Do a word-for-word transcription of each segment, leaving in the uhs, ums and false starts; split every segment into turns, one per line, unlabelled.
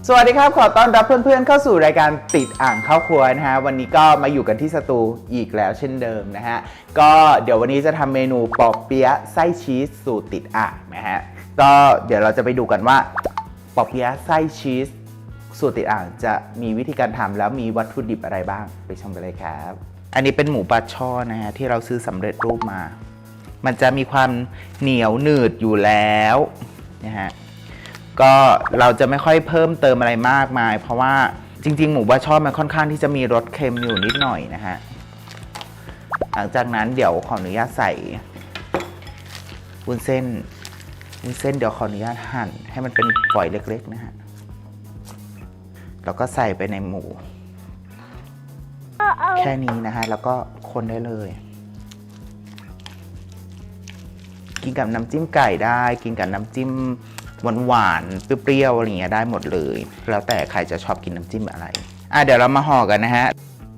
สวัสดีครับขอต้อนรับเพื่อนๆเข้าสู่รายการติดอ่างเข้าครัวนะฮะวันนี้ก็มาอยู่กันที่สตูอีกแล้วเช่นเดิมนะฮะก็เดี๋ยววันนี้จะทำเมนูปอเปี๊ยะไส้ชีสสูตรติดอ่างนะฮะก็เดี๋ยวเราจะไปดูกันว่าปอเปี๊ยะไส้ชีสสูตรติดอ่างจะมีวิธีการทำแล้วมีวัตถุดิบอะไรบ้างไปชมกันเลยครับอันนี้เป็นหมูปลาช่อนนะฮะที่เราซื้อสำเร็จรูปมามันจะมีความเหนียวหนืดอยู่แล้วนะฮะก็เราจะไม่ค่อยเพิ่มเติมอะไรมากมายเพราะว่าจริงๆหมูปลาช่อนมันค่อนข้างที่จะมีรสเค็มอยู่นิดหน่อยนะฮะหลังจากนั้นเดี๋ยวขออนุญาตใส่วุ้นเส้นวุ้นเส้นเดี๋ยวขออนุญาตหั่นให้มันเป็นฝอยเล็กๆนะฮะแล้วก็ใส่ไปในหมูแค่นี้นะฮะแล้วก็คนได้เลยกินกับน้ำจิ้มไก่ได้กินกับน้ำจิ้มหวานๆเปรี้ยวๆอะไรอย่างเงี้ยได้หมดเลยแล้วแต่ใครจะชอบกินน้ำจิ้มอะไรอ่ะเดี๋ยวเรามาห่อกันนะฮะ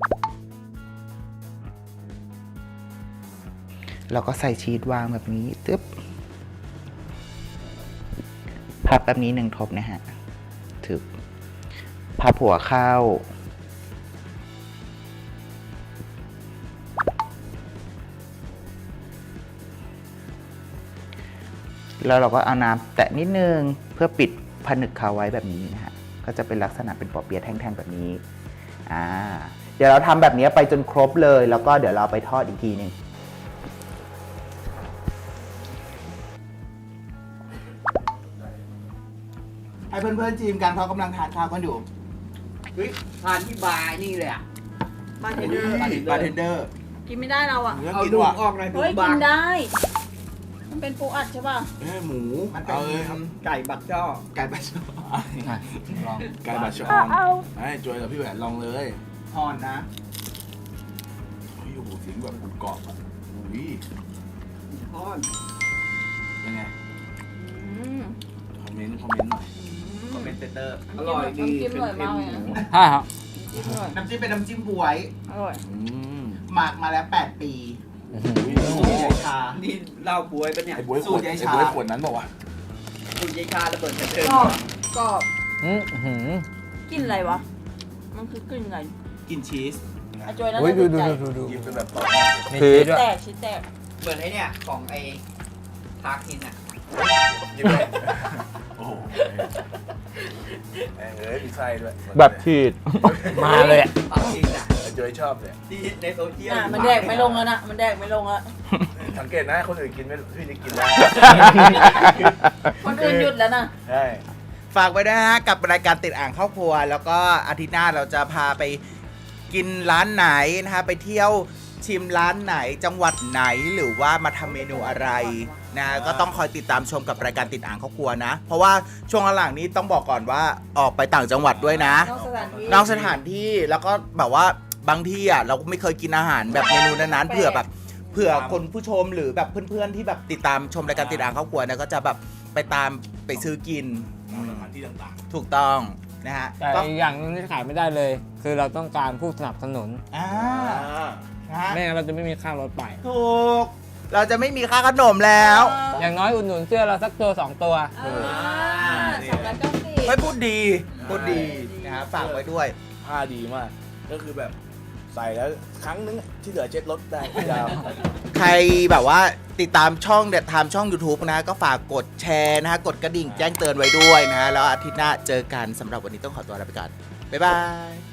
เราก็ใส่ชีสวางแบบนี้ตึ๊บพับแบบนี้หนึ่งทบนะฮะถึกพับหัวเข้าแล้วเราก็เอาน้ำแตะนิดนึงเพื่อปิดผนึกเขาไว้แบบนี้นะฮะก็จะเป็นลักษณะเป็นปอเปี๊ยะแท่งๆแบบนี้อ่าเดี๋ยวเราทำแบบนี้ไปจนครบเลยแล้วก็เดี๋ยวเราไปทอดอีกทีนึงให้เพื่อนๆจีมกันเขากำลังทานข้าวกันอยู่
เฮ้ยทานที่บาร์นี่เลยอ่ะ
บาร์เทนเดอร์
บาร์เทนเดอร์
กินไม่ได้เราอ่ะ
เอาดูออกหน่อยดู
เฮ้ย
บา
กิน
ร์
ได้ มันเป็นปูอัดใช่ป่ะ
เอ้หมูมันเป็น
เอาเลยครับไก่บักจ้อ
ไก่บาชอน
ลอง
ไก่บาชอนไอ้จอยกับพี่แหวนลองเลยฮอนนะโอ้ยโอ้โหเสียงแบบกรุบกรอบอ่ะอุ้ย
ทอด
ยังไง
อืม
คอมเมนต์คอมเมนต์หน่อยคอมเมนต์เตอร์
อร่อยดี
น้ำจิ้มอร่อยมากเลยนะ
ใช่ครับ
น้ำจิ้มอร่อย
น้ำจิ้มเป็นน้ำจิ้มบวย
อร่อย
อืมหมักมาแล้วแปดปี
โอ้โห
สูตรยายชา
นี่เหล้าบวยปะเนี่ย
ไอ้บวยขวดไอ้บวยขวดนั้นบอกว่า
สูตรยายชาระเบิดกระเทิง
กรอบกรอบ
อืมหืม
กลินอะไรวะ มันคือกลิ่นอะไร
กินชีส
อาจอยน่า
โอ้ย
จะ
ดู
ถูก
ดู
ใจ
ดูดูดู
กินเป็นแบบต่อ
มีชีสด้วย
แตกชิ้นแตก
เหมือนไอ้เนี่ยของไอ้พาคินอ่ะ
กินเลยโอ้โหแม่งเอ้ยมีไส้ด้วย
แบบฉีดมาเลยอะ
พาคินอ่ะ
ไอ้จอยชอบเนี่ย
ที่ในโซเชียล
อ่ะมันแดกไม่ลงแล้วนะ มันแดกไม่ลงแล้ว
สังเกตนะคนอื่นกินไม่พี่นี่กินได้
คนอื่นหยุดแล้วนะ
ใช่ฝากไว้นะฮะกับรายการติดอ่างครอบครัวแล้วก็อาทิตย์หน้าเราจะพาไปกินร้านไหนนะฮะไปเที่ยวชิมร้านไหนจังหวัดไหนหรือว่ามาทำเมนูอะไรนะก็ต้องคอยติดตามชมกับรายการติดอ่างครอบครัวนะเพราะว่าช่วงหลังนี้ต้องบอกก่อนว่าออกไปต่างจังหวัดด้วยนะ
นอกสถานที่
นอกสถานที่แล้วก็แบบว่าบางที่อ่ะเราไม่เคยกินอาหารแบบเมนูนั้นๆเผื่อแบบเผื่อคนผู้ชมหรือแบบเพื่อนๆที่แบบติดตามชมรายการติดอ่างครอบครัวเนี่ยก็จะแบบไปตามไปซื้อกินสถานที่ต่างๆถูกต้องนะฮะ
แต่อีกอย่างหนึงที่ขายไม่ได้เลย คือเราต้องการผู้สนับสนุน
อ่านะฮะ
ไม่งั้นเราจะไม่มีค่ารถไป
ถูกเราจะไม่มีค่าขนมแล้ว
อย่างน้อยอุดหนุนเสื้อเราสักตัวสองตัว
อ่าสองร้อยเก้าสิบ
ไม่พูดดีพูดดีนะฮะฝากไว้ด้วย
ผ้าดีมาก ก็คือแบบใส่แล้วครั้งนึงที่เหลือเช็ดรถได้ยาว
ใครแบบว่าติดตามช่องเด็ดทามช่อง YouTube นะก็ฝากกดแชร์นะฮะกดกระดิ่งแจ้งเตือนไว้ด้วยนะฮะแล้วอาทิตย์หน้าเจอกันสำหรับวันนี้ต้องขอตัวลาไปก่อนบ๊ายบาย